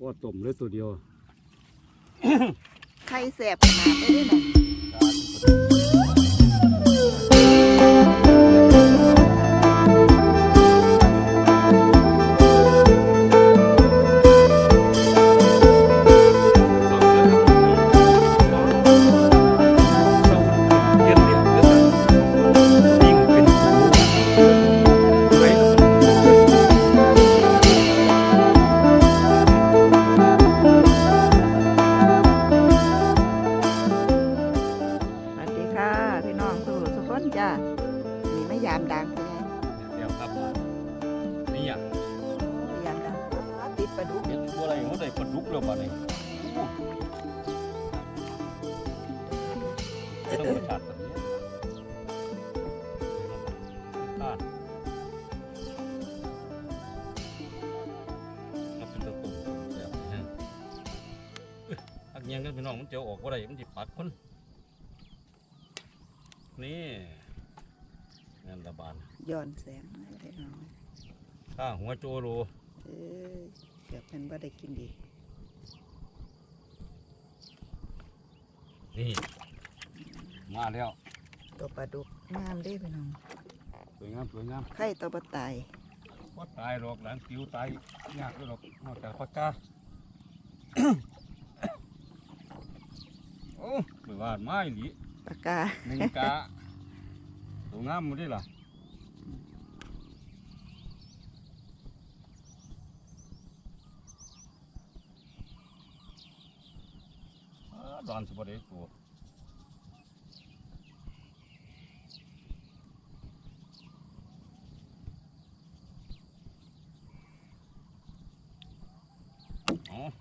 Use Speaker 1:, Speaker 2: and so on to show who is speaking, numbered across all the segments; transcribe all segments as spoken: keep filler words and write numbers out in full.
Speaker 1: ก็ต้มเลยตัวเดียว
Speaker 2: ไข่แสบขนาดนี้เลยจ้านี่ไม่ยามดังไปไง
Speaker 1: เดี๋ยวครับนี่อย่าง
Speaker 2: ยามดังติดปลาดุก
Speaker 1: เห็นตัวอะไรเขาได้ปลาดุกแล้วบ้านี้ต้องประชาติแบบนี้พลาดก็เป็นตัวตุ่มแบบนี้อักยังกันพี่น้องมันเจียวออกว่าไรมันจิปักคนนี่งานระบาด
Speaker 2: ย้อนแสงให้ได้หน่อย
Speaker 1: ข้าหัวโจโล
Speaker 2: เออเกือบเป็นว่าได้กินดี
Speaker 1: นี่มาแล้ว
Speaker 2: ตัวปลาดุกงามได้พี่น้อง
Speaker 1: สวยงามสวยงาม
Speaker 2: ไข่ตัวปลาตาย
Speaker 1: ก็ตายหรอกหลังติวตายยากด้วยหรอกนอกจากปลากาโอ้ไม่ว่าไม้หลี
Speaker 2: ปลากา
Speaker 1: หนึ่งกาตัวงามมันได้ล่ะดอนสุบได้ตัวอ๋อ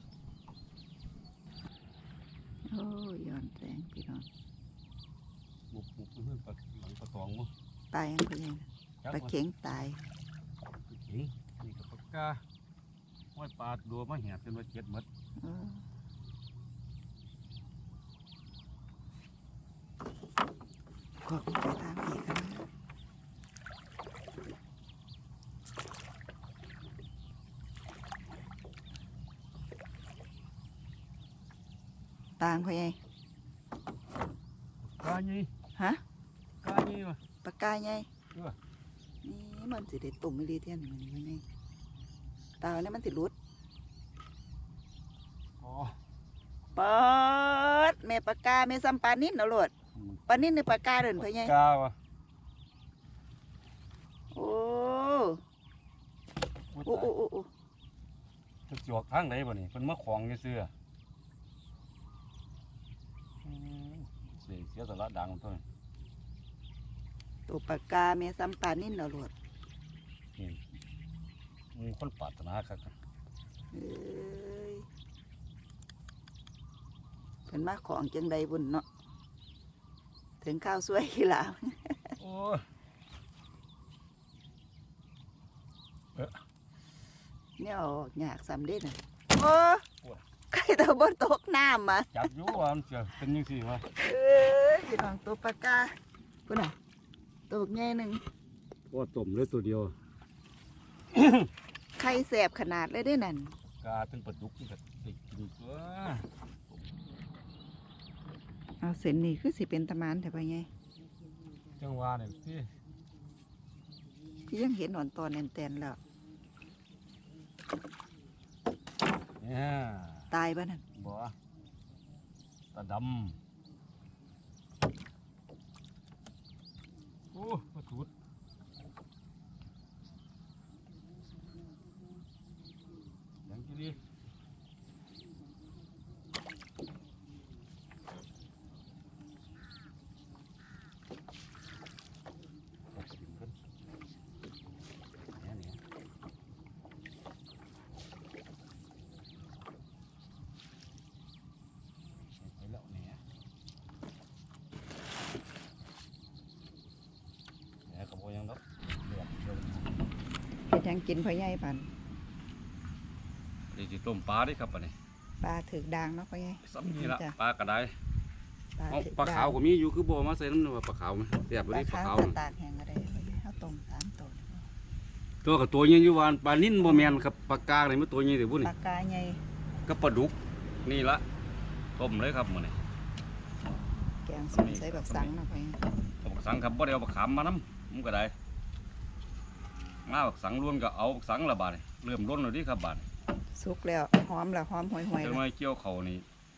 Speaker 2: โอ้ย้อนแสงพี่น้อง
Speaker 1: บุบบุบเพื่อนปลาหลังปลาตองมั้ง
Speaker 2: ตายยังไงปลาเข็งตาย
Speaker 1: ปลาเข็งนี่กับปลากาห้อยปลาดัวมาแหบจนว่าเจ็ดหมด
Speaker 2: ก็ไปตามอีกกันต่างเขาไง
Speaker 1: กาไง
Speaker 2: ฮะ
Speaker 1: กาไงวะ
Speaker 2: ปากกาไงนี่มันสิเด็ดตุ่มไม่รีเทียนมันนี่ไงตาเนี่ยมันสิรุดเปิดเมปากกาเมซัมปานินเอาโหลดปานินในปากกาเดินเพื่อไง
Speaker 1: กาวะ
Speaker 2: โอ้โอ้โอ้โอ้โอ้
Speaker 1: จะจวกทางไหนบ่นี่เป็นมะขวางเสื้อเสียเสียสละดังตัวนี้
Speaker 2: ตัวปากกาเมซัมปานินเอาโหลด
Speaker 1: นี่มีคนปรารถนาครับ
Speaker 2: เอ้ยเป็นมาของจังใดบุญเนาะถึงข้าวสวยขี้หลา
Speaker 1: โอ้
Speaker 2: เนี่ยออกอยากสำเร็จนะโอ้ใครตัวบนโต๊ะน้ำมา
Speaker 1: จับอยู่ว่ามันจะเป็นยังสิวะ
Speaker 2: เออพี่น้องตัวปลากาพุ่นน่ะตัวแง่หนึ่ง
Speaker 1: ก็ต้มเลยตัวเดียว
Speaker 2: ไข่แสบขนาดเลยได้นั่น
Speaker 1: กาเป็นปลาดุกที่แบบติดกินตัว
Speaker 2: เอาเส้นนี่คือสิเป็นตะมานแต่ไปไง
Speaker 1: จังหวะเนี่ยพี่
Speaker 2: พี่ยังเห็นหนอนตอนแน่นๆแล้วตายป่ะนั่น
Speaker 1: บ่ตาดำโอ้ปลาทูดยังกี่ดี
Speaker 2: เป็นยังกินพอใหญ่ปัน
Speaker 1: นี่จิต้มปลาดิครับปะนี่
Speaker 2: ปลาถือด่างเนาะพอใหญ่
Speaker 1: ซ้ำนี่ละปลากระได
Speaker 2: ปลา
Speaker 1: ขาวก็มีอยู่คือบ่มาใส่น้ำปลาขาวไหมเสียบไปดิปลาขาว
Speaker 2: ตากแห้งอะไรเขาต้มสามตัว
Speaker 1: ตัวกับตัวใหญ่อยู่วานปลานิ่นบ่แม่นครับปลากาอะไรมันตัวใหญ่แต่พุ่น
Speaker 2: ปากกาใหญ่
Speaker 1: ก็ปลาดุกนี่ละต้มเลยครับมื้อนี้
Speaker 2: แกงส้มใส่แบบสังนะพ่อ
Speaker 1: เอาบักสังครับบ่ได้เอาบักขามมานำมันก็ได้มาบักสังล้วนก็เอาบักสังละบาดนี่เริ่มล้นแล้วดิครับบาด
Speaker 2: สุกแล้วหอมแล้วหอมห่วยๆ
Speaker 1: จัง
Speaker 2: แล้ว
Speaker 1: ไว้เกี่ยวเขานี่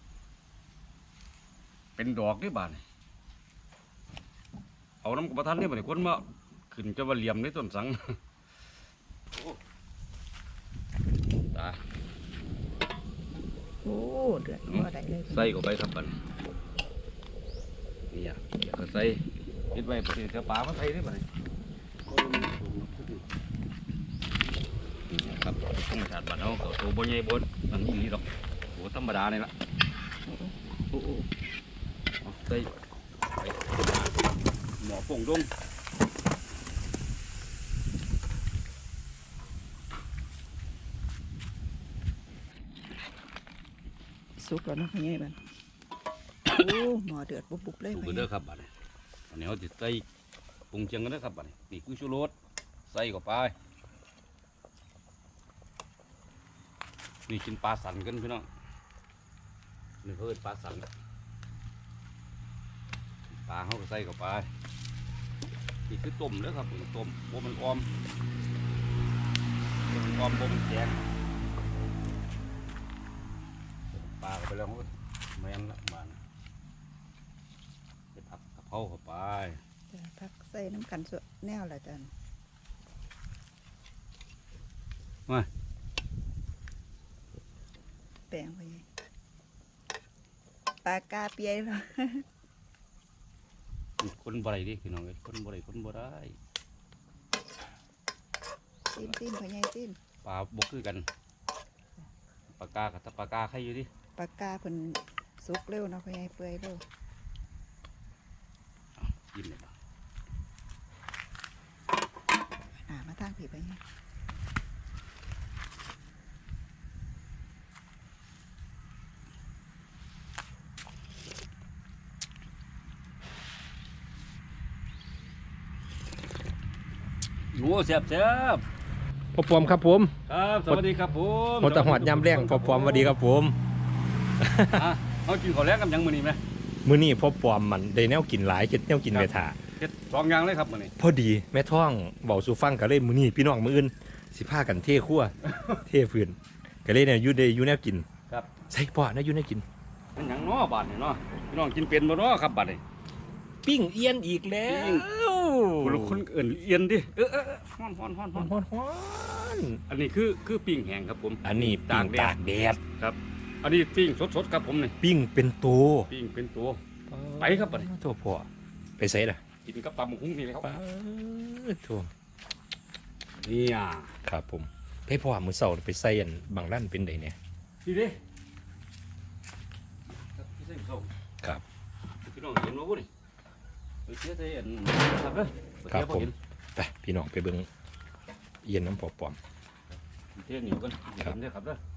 Speaker 1: เป็นดอกดิบาดนี่เอาน้ำกับประทานนี่บาดนี่คนมาขึ้นจะว่าเหลี่ยมในต้นสังตา
Speaker 2: โอ้เดือดพอได้เลย
Speaker 1: ใส่เข้าไปครับบัดนี้นี่อ่ะเดี๋ยวก็ใส่ปิดไว้เดี๋ยวปลามาใส่ได้บัดนี้นี่นะครับธรรมชาติบ้านเราก็ตัวบ่ใหญ่บ่อันนี้ดอกตัวธรรมดานี่ล่ะโอ้โหเอาใส่ไปหมอป่งดง
Speaker 2: สุกแล้วนะพ่อใหญ่บัดโอ้หม้อเดือดบุบๆเลย
Speaker 1: ถูก
Speaker 2: พ่อให
Speaker 1: เด้
Speaker 2: ญ่
Speaker 1: อครับบัดนี้อันนี้เขาจะใส่ปรุงเชียงกันเด้อครับบัดนี้นี่คือชูรสใส่เข้าไปนี่กินปลาสันกันพี่น้องนี่เพิ่นปลาสันปลาเขาก็ใส่เข้าไปนี่คือต้มเด้อครับต้มบ่มันออมบ่มันออมบ่มันแข็งปลาเข้าไปแล้วเขาก็แม่นละบาดนี้ไปผัดกะเพราเข้าไป
Speaker 2: จ้ะพักใส่น้ำกันสดแนวละจัน
Speaker 1: มา
Speaker 2: แปลงพ่อใหญ่ปลากาเปียแล้ว
Speaker 1: คนบ่ได้ดิพี่น้องเอ้ยคนบ่ได้คนบ่ได้
Speaker 2: ซีนซีนพ่อใหญ่ซีน
Speaker 1: ปลาบ่คือกันปลากากับตะปลากาใครอยู่ดิ
Speaker 2: ปลากาเพิ่นสุกเร็วเนาะพ่อใหญ่เปื่อยเร็ว
Speaker 1: กินเลยบ่
Speaker 2: หามาทางผีพ่อใหญ่
Speaker 1: โอ้แซ่บแซ่บ
Speaker 3: พ่อปอมครับผม
Speaker 1: ครับสวัสดีครับผม
Speaker 3: มอตะหอดยำแรงพ่อปอมสวัสดีครับผม
Speaker 1: อ่ะเอากินข้าวแลงกับหยังมื้อนี้ไหม
Speaker 3: มื้อนี้พ่อปอมมันได้แนวกินหลายเฮ็ดแนวกิน
Speaker 1: ครับ
Speaker 3: แม่ถา
Speaker 1: เฮ็ดสองอย่างเลยครับมื้อนี้
Speaker 3: พอดีแม่ท้องเบาสู่ฟังก็เลยมื้อนี้พี่น้องมื้ออื่นสิพากันเทครัว เทฟืนก็เลยเนี่ยอยู่ได้อยู่แนวกิน
Speaker 1: ครับ
Speaker 3: ใส่พ่อนะอยู่แนวกิน
Speaker 1: เป็นหยังเนาะบาดนี่เนาะพี่น้องกินเป็นบ่เนาะครับบาดนี่
Speaker 3: ปิ้งเอียนอีกแล้ว
Speaker 1: ผู้ละคนเอิ้นเอียนดิเออเออเออฮ้อนฮ้อนฮ้อน
Speaker 3: ฮ
Speaker 1: ฮ้
Speaker 3: อ
Speaker 1: อน
Speaker 3: นฮอนฮอน
Speaker 1: อันนี้คือคือปิ้งแห้งครับผม
Speaker 3: อันนี้ปิ้งตากแดด
Speaker 1: ครับ อันนี้ปิ้งสดๆครับผมนี่
Speaker 3: ปิ้งเป็นตัว
Speaker 1: ปิ้งเป็นตัว ไปครับบัดนี้
Speaker 3: โทษพ่อไปใส่ล่ะ
Speaker 1: กินกับตำบักหุ่งนี่เลยครับ
Speaker 3: ป๊าดโทษ
Speaker 1: นี่อ่ะ
Speaker 3: ครับผมไปพ่อมื้อเช้าไปใส่อันบางร้านเป็นไดเนี่ย
Speaker 1: ดีเด้ครับพี่เส้นส้ม
Speaker 3: ครับ
Speaker 1: พี่น้องเห็นว่าพุ่นนี่ไปเสียใจอันครับเด้อไป
Speaker 3: ครับ
Speaker 1: เสีย
Speaker 3: ผม
Speaker 1: เห็น
Speaker 3: ไปพี่น้องไปเบิ่งเอียนน้ำพ่อปอม
Speaker 1: เที่ยงอยู่กัน
Speaker 3: ครับ
Speaker 1: เห็นเด้อครับเด้อ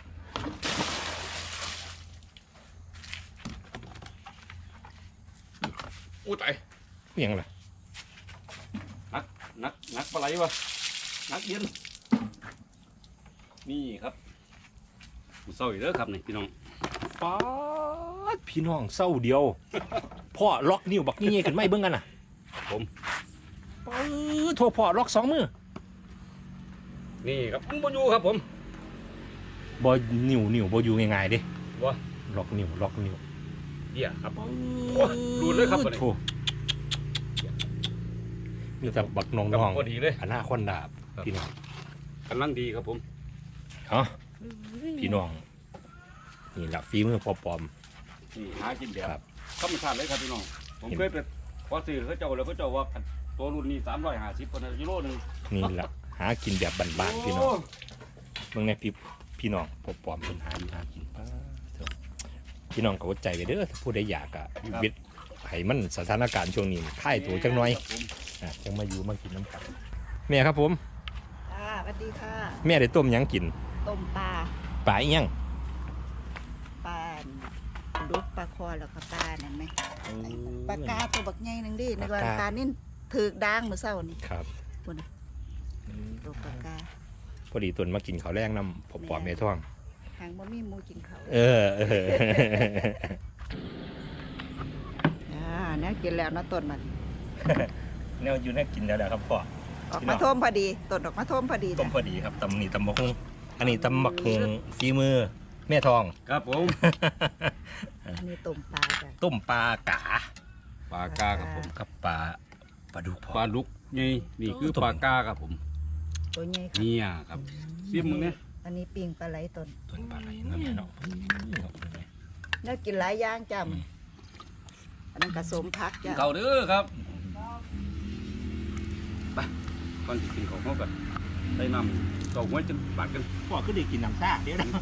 Speaker 1: โอ้ตาย
Speaker 3: เอียงล่ะ
Speaker 1: นักนักนักปลาไหลวะนักเย็นนี่ครับผู้เศร้าอีกเด้อครับนี่พี่น้อง
Speaker 3: ป๊าดพี่น้องเศร้าเดียว พ่อล็อกนิ้วบักนี่ขึ้นไม่เบิ่งกันน่ะ
Speaker 1: ผม
Speaker 3: ปื้อโทรพ่อล็อกสองมือ
Speaker 1: นี่ครับมึงมาอยู่ครับผม
Speaker 3: บ่นิ้วนิ้วบ่อยู่ง่ายๆเด้
Speaker 1: บ่
Speaker 3: ล็อกนิ้วล็อกนิ้ว
Speaker 1: เดี๋ยวครับ โอ้ยดูดเลยครับบัดนี้
Speaker 3: โธ่มีแต่บักน้
Speaker 1: กับ
Speaker 3: อง
Speaker 1: พอดีเลย
Speaker 3: ๆอนาคอนดาบ
Speaker 1: ครับ
Speaker 3: พี่น้อง
Speaker 1: กำลังดีครับผม
Speaker 3: เอ้าพี่น้องนี่ล่ะฝีมือพ่อปอม
Speaker 1: นี่หากินแบบ
Speaker 3: ครับ
Speaker 1: ธรรมชาติเลยครับพี่น้องผม
Speaker 3: เห็น
Speaker 1: เคยไปพอซื้อเขาเจ้าแล้วเขาเจ้าว่าตัวรุ่นนี้สามร้อยห้าสิบคนกิโลหนึ่ง
Speaker 3: นี่ล่ะหากินแบบบ้านๆพี่น้อง เมืองในพี่พี่น้องพบปอมเป็นหาอยู่หากินป้าเถอะพี่น้องก็อดใจไปเด้อถ้าผู้ใดอยากอะวิทย์ให้มันสถานการณ์ช่วงนี้ค่ายตัวจังน้อย
Speaker 1: ครับผม
Speaker 3: อ่ะจังมาอยู่มากินน้ำกันแม่ครับผม
Speaker 2: ค่ะสวัสดีค่ะ
Speaker 3: แม่ได้ต้มหยังกิน
Speaker 2: ต้มปลา
Speaker 3: ปลาอีหยัง
Speaker 2: ปลาดุกปลาคอแล้วก็ปลานั่นไหมปลากาตัวบักใหญ่หนึงดิในวันปลานิ่นถือกด่างมื้อเช้านี่
Speaker 3: ครับ
Speaker 2: พุ่นน่ะตัวปลากา
Speaker 3: พอดีตุนมากินข้าวแรงน้ำผมปอมเมท่อง
Speaker 2: หางบ่มีหมูกินเขา
Speaker 3: เออเออ
Speaker 2: อ่าเนี่ยกินแล้วเนาะต้นมัน
Speaker 3: แนวอยู่น่ากินแล้วแหละครับพ่อ
Speaker 2: ออกมาท่มพอดีต้นออกมาท่มพอดี
Speaker 3: ต้มพอดีครับตำนี่ตำบักฮุงอันนี้ตำบักฮุงฝีมือแม่ทอง
Speaker 1: ครับผม
Speaker 2: อันนี้ต้มปลาจ้ะ
Speaker 3: ต้มปลากา
Speaker 1: ปลากาครับผม
Speaker 3: กับปลาปลาดุกพ่อ
Speaker 1: ปลาลุกนี่นี่คือปลากาครับผม
Speaker 2: ตัวใหญ่ค่ะ
Speaker 1: เนี่ยครับซิมมึงเนี่ย
Speaker 2: อันนี้ปิ้งปลาไหลต้น
Speaker 3: ต้นปลาไหลนั่นแหละเนาะ
Speaker 2: เนี่ยกินหลายอย่างจ้ะอันนั้นกระสมพักจ้ะ
Speaker 1: เขาเด้อครับไปก่อนจะกินของเขากันได้นำเก่าไว้จนบาดกัน
Speaker 3: พ่อก็ได้กินน้ำซ่าเดี๋ยวนะ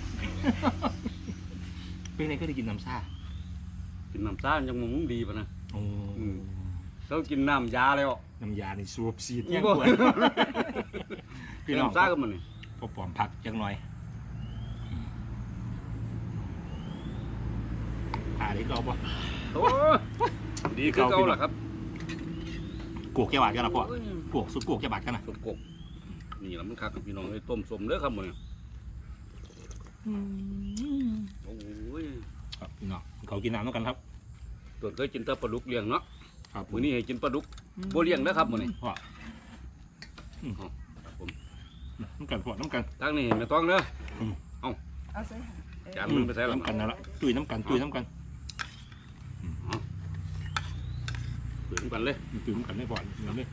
Speaker 3: เป็นไงก็ได้กินน้ำซ่า
Speaker 1: กินน้ำซ่ายังมึงดีปะนะ
Speaker 3: โอ้
Speaker 1: เขากินน้ำยาแล้ว
Speaker 3: น้ำยาในสูบซีด
Speaker 1: นี่
Speaker 3: ยัง
Speaker 1: บ่
Speaker 3: กวนพี่น้อง
Speaker 1: น้ำซ่าก็มันนี่
Speaker 3: พอปอมพักจังหน่อยผ่าได้ก็เอาป่ะ
Speaker 1: โอ้ดีคือเก่าล่ะครับ
Speaker 3: กวกแกบาดกันนะพ่อ กวกสุดกวกแกบาดกันนะ
Speaker 1: สมกบนี่ละมันคักกับพี่น้องเลยต้มสมเด้อครับมันโอ้ย
Speaker 3: ครับพี่น้องเขากินน้ำต้องกันครับ
Speaker 1: ตัวเคยกินแต่ปลาดุกเลี้ยงเนาะ
Speaker 3: ครับ
Speaker 1: มื้อนี้ให้กินปลาดุกบ่เลี้ยงเด้อครับมื้อนี้
Speaker 3: พ่อน้ำกันพ่อน้ำกัน
Speaker 1: ทางนี้ไม่ต้องเด้อ
Speaker 2: เอาใส่
Speaker 1: จานมันไปใส่ละ
Speaker 3: น้ำกันนั่นละตุยน้ำกันตุยน้ำกัน
Speaker 1: เปิดกันเลย
Speaker 3: ตุยน้ำกันไม่พอเงินเลย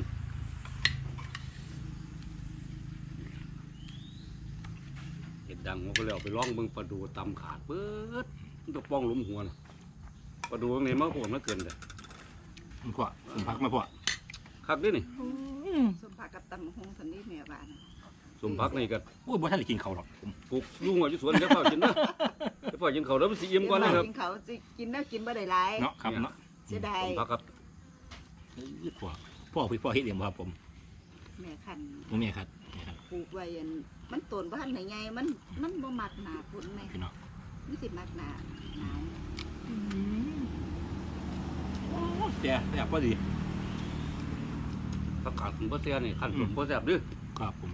Speaker 1: เห็ดดังมันก็เลยเอาไปล่องเบิ่งปลาดูตำขาดเบิดมันต้องป้องหลุมหัวนะปลาดูตรงนี้มันโหดมันเกินเลย
Speaker 3: พ่อผมพักมาพ่อ
Speaker 1: คักเด้อนี่
Speaker 2: สมผักกับตำหงสันนี่แม่บ้าน
Speaker 1: สมพักนี่ก็
Speaker 3: โอ้ยบ่ท่านได้กินเขาหรอกผม
Speaker 1: ปลูกลุงอยู่สวนเดี๋ยวพ่อกินเด้อเดี๋ยวพ่อกินเขาวแล้วมันสิอิ่มก่อนนะครับ
Speaker 2: กินเขาสิกินแล้วกินบ่ได้หลาย
Speaker 3: เนาะครับเนาะ
Speaker 2: เสียดาย
Speaker 1: สมพักครับ
Speaker 3: พ่อพ่อพี่พ่อเฮ็ดเองบ่ครับผม
Speaker 2: แม่คัน
Speaker 3: ผมเนี่ยครับเนี่ยครับ
Speaker 2: ปลูกไว้อันมันต้นบ้านไหนไงมันมันบ่มักหนาฝนแม่
Speaker 3: พี่น้อง
Speaker 2: มันสิมักหนาหนาว
Speaker 3: แต่แต่พอดี
Speaker 1: ผักขาดผมบ่แซ่บนี่ขั้นผมบ่แซ่บเด้อ
Speaker 3: ครับผม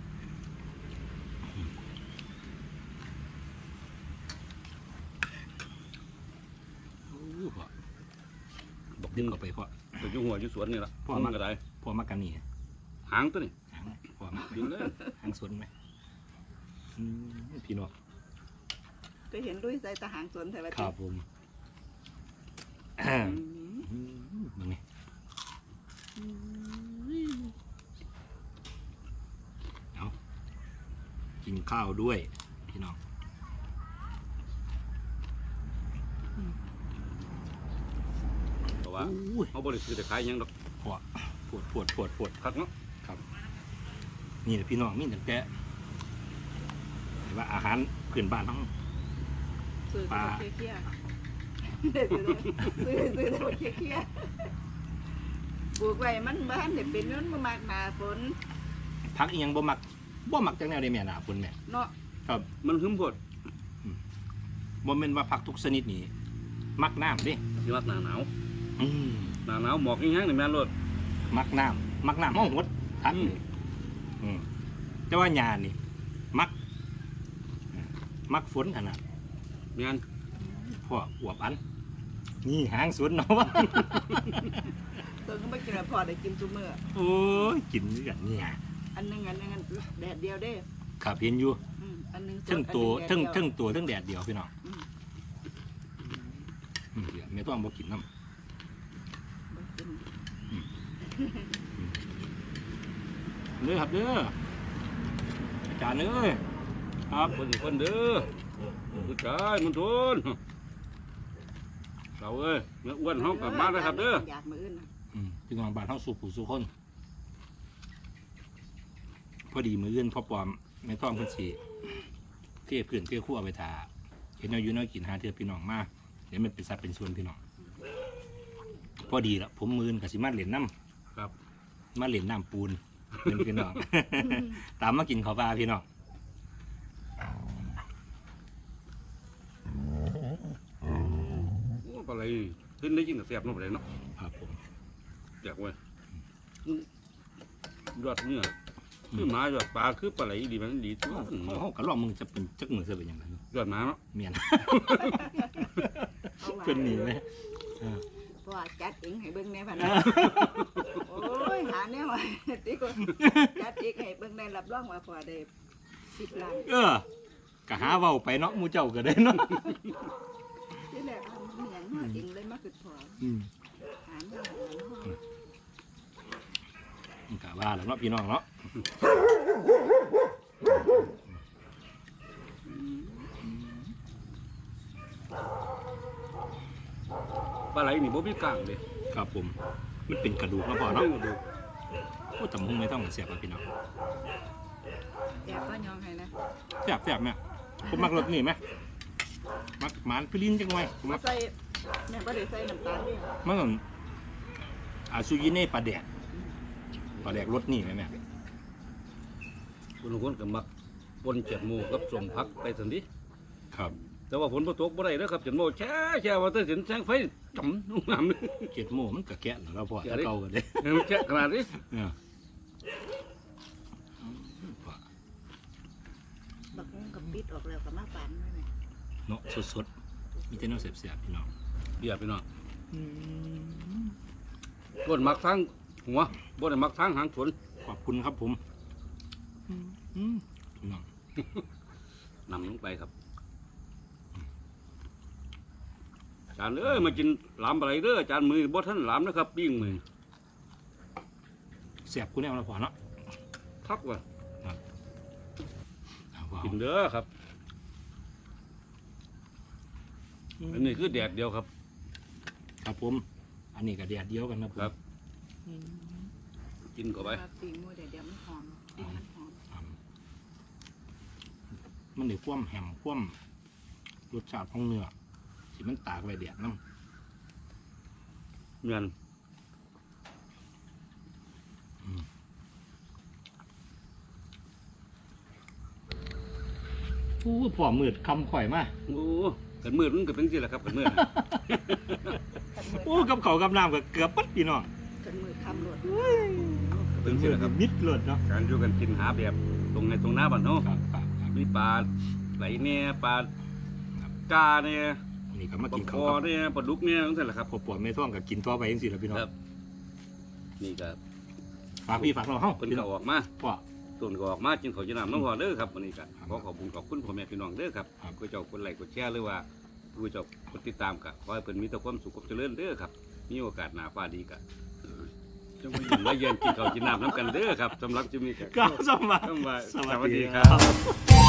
Speaker 3: โอ้พ่อบอกดึงออกไปพ่อ
Speaker 1: ไปอยู่หัวอยู่สวนนี่ล่ะ
Speaker 3: พ่อ
Speaker 1: มั
Speaker 3: มาน
Speaker 1: ก็ได้
Speaker 3: พ่อมากันนี่
Speaker 1: หางตัวนี่
Speaker 3: หางพ่อมา
Speaker 1: ดึงเลย
Speaker 3: หางสวนไหมอืมพี่น้อง
Speaker 2: ก็เห็นด้วยใส่ตาหางสวนแต่ว่า
Speaker 3: ครับผม
Speaker 2: อืม
Speaker 3: อืมมึงไงเอากินข้าวด้วยพี่น้อง
Speaker 1: เพราะว่า
Speaker 3: อุ้ย
Speaker 1: เขาบ่ได้ซื้อแต่ขายหยังดอก
Speaker 3: ปวดปวดปวดปวดปวด
Speaker 1: คักเนาะ
Speaker 3: นี่แหละพี่น้องมีแต่แกะเห็นว่าอาหารพื้นบ้านทั้ง
Speaker 2: ซื้อ
Speaker 3: ปลา
Speaker 2: ตัวเคี้ยๆซื้อซื้อซื้อตัวเคี้ยๆปลูกไว้มันบ้านเด็เป็นนั้นมันมากหนาฝน
Speaker 3: พักอีหยังบ่มักบ่มักจังแนวได้แม่หนาฝนแม่
Speaker 2: เนาะ
Speaker 1: มันหึมโพด
Speaker 3: บ่แม่นว่าผักทุกชนิดนี่มักน้ำเดิ
Speaker 1: สิมักหน้าหนาว
Speaker 3: อืม
Speaker 1: หน้าหนาวหมอกอีหยังนี่แม่นโลด
Speaker 3: มักน้ำมักน้ำห้องหดทัน
Speaker 1: อืม
Speaker 3: อืมแต่ว่าหญ้านี่ มัก มักฝนขนาด
Speaker 1: แม่น
Speaker 3: พ่ออวบอัน นี่หางสวนเนาะวะ
Speaker 2: ตัวก็ไม่กินแล้วพอได้กินซุมื้อ
Speaker 3: โอ้ยกินนี่กันเนี่ย
Speaker 2: อันหนึงอันหนึงอันแดดเดียวเด้
Speaker 3: ขับเห็นอยู่
Speaker 2: อืมอันหนึงสด
Speaker 3: ทั้งตัว
Speaker 2: อันห
Speaker 3: ทั้ง
Speaker 2: นึ่แดดเดียว
Speaker 3: ทั้งตัวทั้งแดดเดียวพี่น้อง
Speaker 2: อืม
Speaker 3: อืมเดี๋ยวไม่ต้องบ่กินน้
Speaker 2: บ่กิน
Speaker 3: ำเด้อครับเด้ออาจารย์เอ้ยครับ
Speaker 1: คนอีกคนเด้อผู้ชายมันทนเราเอ้ยเนื้ออ้วนเฮากลับมาแล้วครับเด้อ
Speaker 2: อยากมื้ออื่นน่ะ
Speaker 3: อืมพี่น้องบ้านเฮาสู่ผู้สู่คน พอดีมืออื่นพ่อปอมแม่ท้องเพิ่นสิเทพื้นเทครัวเอาไปทาเห็นเอาอยู่น้อยกินหาเทื่อพี่น้องมาเดี๋ยวมันเป็นสัดเป็นส่วนพี่น้องพอดีละผมมืออื่นก็สิมาเล่นน้ำ
Speaker 1: ครับ
Speaker 3: มาเล่นน้ำปูนเป็นพี่น้อง ตามมากินข้าวปลาพี่น้อง
Speaker 1: โอ้ปลาไหลขึ้นได้ยิ่งแต่แซ่บเนาะปลาไหลเนาะ
Speaker 3: ครับผม
Speaker 1: อยากเว้ยยอดเนี่ยคือหมาหยอดปลาคือปลาไหลดีมันดีตัว
Speaker 3: เขาเขากระลอกมึงจะเป็นจักมือจะเป็นยังไง
Speaker 1: หยอดหมาเนาะ
Speaker 3: เมียน
Speaker 2: เอาว่า
Speaker 3: เป็นหนีไหม
Speaker 2: เพราะว่าจัดเองให้เบิ่งแน่พันโอ้ยหาแนวว่าติก็จัดเองให้เบิ่งได้รับรองว่าพอได้สิบล้าน
Speaker 3: เออ ก็หาเว้าไปเนาะหมูเจ้าก็ได้เนาะ
Speaker 2: ที่แรกเอาเหมือนเฮาเองเลยมาคือพอ
Speaker 3: อืม
Speaker 2: หาแนวหาแนว
Speaker 3: มันก็ว่าแล้วเนาะพี่น้องเนาะ
Speaker 1: ปลาไหลนี่บ่มีกลางเลย
Speaker 3: ครับผม มันเป็นกระดูกเนาะพ่อเนาะ
Speaker 1: เรื่องดู
Speaker 3: โอ้ตำหุงไม่ต้องเสียบอะพี่น้อง
Speaker 2: แกก็ยอมให้นะ
Speaker 3: เสียบเสียบแม่ผมมักรสนี่ไหมมักหมานพิลินจังไงผม
Speaker 2: มา
Speaker 3: มัก
Speaker 2: ใส่แม่บ่ได้ใส่น้ำตาลเด้
Speaker 3: มันก็อาซูยิเน่ปลาแดดปลาแดดรสนี่ไหมแม่
Speaker 1: คนคนก็มักปนเจ็ดหมูกับสมพักไปสันดิ
Speaker 3: ครับ
Speaker 1: แต่ว่าฝนบ่ตกบ่ได้เด้อครับเจ็ดหมูแช่แช่ว่าแต่สินแสงไฟจ่ำลงน้ำนี่
Speaker 3: เกียดโม่มันก็แกะแล้วเราพอ
Speaker 1: แกะ
Speaker 3: ถ้า
Speaker 1: ดิ
Speaker 3: เก่ากันเลย
Speaker 1: มันแช่ขนาดนี้
Speaker 3: เนี่ย
Speaker 2: บักงกับปิดออกแล้วก็มาปานไว้แม่
Speaker 3: เนาะสดๆมีแต่เนาะเสียบๆพี่น้อง
Speaker 1: เบียร์พี่น้องบ่ได้มักทางหัวบ่ได้มักทางหางสวน
Speaker 3: ขอบคุณครับผมอืมพี่น้อง
Speaker 1: นำลงไปครับอาจารย์เอ้ยมากินหลามอะไรเด้ออาจารย์มือบ่ทันหลามนะครับปิ้งมือ
Speaker 3: เสียบกูแน่เราพอเนาะ
Speaker 1: ทักว่า
Speaker 3: เอาว้าว
Speaker 1: กินเด้อครับอันนี้คือแดดเดียวครับ
Speaker 3: ครับผม อันนี้ก็แดดเดียวกันนะผม
Speaker 1: ครับ กินเข้าไป
Speaker 2: ว่าปีมือเดี๋ยวเดี๋ยวมันหอมปีมันหอม
Speaker 3: อืมมันได้คว่ำแหมคว่ำรสชาติของเนื้อที่มันตากไว้แดดน้ำ
Speaker 1: เงิน
Speaker 3: โอ้พอมืดคำข่อยมา
Speaker 1: โอ้กันมืดมันก็เป็นสิแหละครับกันมืด
Speaker 3: โอ้กับเขาวกับน้ำก็เกือบปัดพี่น้อง
Speaker 2: กันมือคำหลด
Speaker 1: เป็นสิแหละครับ
Speaker 3: มิดเลยเนาะ
Speaker 1: การอยู่กันกินหาแบบตรงในตรงหน้าบ้านเนาะ
Speaker 3: ครับครับครับ
Speaker 1: มีปลาไหลเนี่ยปลา
Speaker 3: ครับ
Speaker 1: กาเนี่ย
Speaker 3: อันนี้ก็มา
Speaker 1: ปลา
Speaker 3: กิน
Speaker 1: ค
Speaker 3: ข้าว
Speaker 1: อ
Speaker 3: กับ
Speaker 1: เนี่ยปลาดุกเนี่ยนั่นแหละครับ
Speaker 3: พอปวดไม่ท่วงก็กินทั่วไปยังสิละพี่น้อง
Speaker 1: ครับ นี่ก็
Speaker 3: ฝากพี่ฝากเราเฮ้า
Speaker 1: เป็น
Speaker 3: พี่น้
Speaker 1: ก็
Speaker 3: อง
Speaker 1: ออกมา
Speaker 3: พ่อ
Speaker 1: ต้นก็ออกมากินข้าวจีน้ำน้องพอเด้อครับวันนี้ก็
Speaker 3: ครับ
Speaker 1: ขอขอบคุณขอบคุณพ่อแม่พี่น้องเด้อครับ
Speaker 3: ครับ
Speaker 1: ผู้เจ้ากดไลค์กดแชร์หรือว่าผู้เจ้ากดติดตามก็ขอให้เพิ่นมีแต่ความสุขความเจริญเด้อครับมีโอกาสหน้าฟ้าดีก็จงมาอยู่มาเยือนกินข้าวกินน้ำน้ำกันเด้อครับสำหรับจิมมี่
Speaker 3: ก้าวสมัคร
Speaker 1: สวัส
Speaker 3: สวัสดี
Speaker 1: ดี
Speaker 3: ค
Speaker 1: ค
Speaker 3: รั
Speaker 1: รับ บ